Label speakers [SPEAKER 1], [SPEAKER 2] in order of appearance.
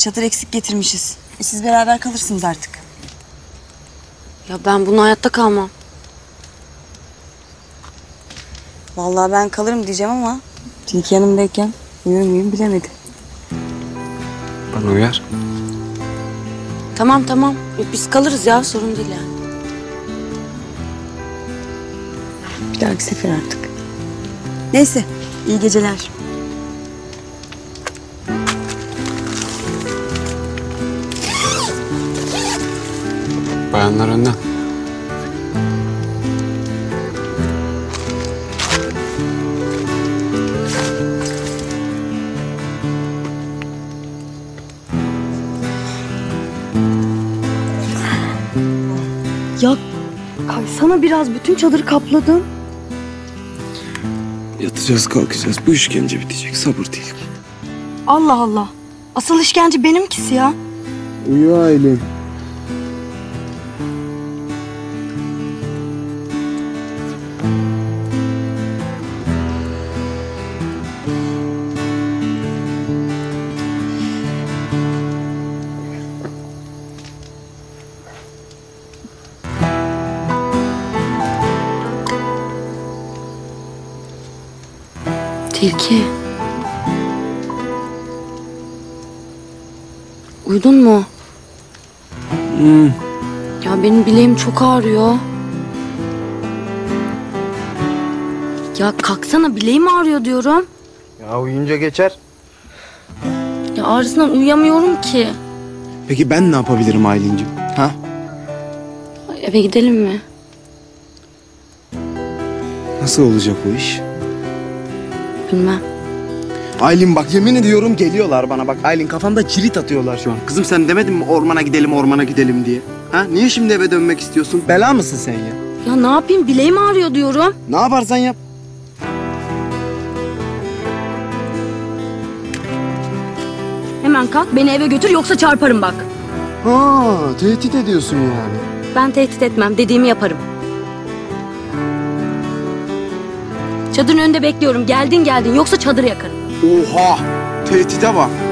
[SPEAKER 1] çadır eksik getirmişiz. Siz beraber kalırsınız artık.
[SPEAKER 2] Ya ben buna hayatta kalmam.
[SPEAKER 1] Vallahi ben kalırım diyeceğim ama Tilki yanımdayken uyur muyum bilemedim.
[SPEAKER 3] Bana uyar.
[SPEAKER 2] Tamam. Biz kalırız ya, sorun değil yani.
[SPEAKER 1] Bir dahaki sefer artık. Neyse, iyi geceler.
[SPEAKER 3] Bayanlar önden.
[SPEAKER 1] Ya kaysana biraz, bütün çadırı kapladın.
[SPEAKER 4] Yatacağız kalkacağız. Bu işkence bitecek. Sabır değil.
[SPEAKER 1] Allah Allah. Asıl işkence benimkisi ya.
[SPEAKER 4] Uyu Aylin.
[SPEAKER 2] Tilki. Uyudun mu? Ya benim bileğim çok ağrıyor. Ya kalksana, bileğim ağrıyor diyorum.
[SPEAKER 4] Ya uyuyunca geçer.
[SPEAKER 2] Ya ağrısından uyuyamıyorum ki.
[SPEAKER 4] Peki ben ne yapabilirim Aylin'cim? Ha?
[SPEAKER 2] Eve gidelim mi?
[SPEAKER 4] Nasıl olacak o iş?
[SPEAKER 2] Bilmem.
[SPEAKER 4] Aylin bak, yemin ediyorum geliyorlar bana. Bak Aylin, kafamda cirit atıyorlar şu an. Kızım sen demedin mi ormana gidelim diye? Ha? Niye şimdi eve dönmek istiyorsun? Bela mısın sen ya?
[SPEAKER 2] Ya ne yapayım, bileğim ağrıyor diyorum.
[SPEAKER 4] Ne yaparsan yap.
[SPEAKER 2] Hemen kalk, beni eve götür, yoksa çarparım bak.
[SPEAKER 4] Ha, tehdit ediyorsun yani.
[SPEAKER 2] Ben tehdit etmem, dediğimi yaparım. Çadırın önünde bekliyorum. Geldin yoksa çadırı yakarım.
[SPEAKER 4] Oha! Tehdide bak.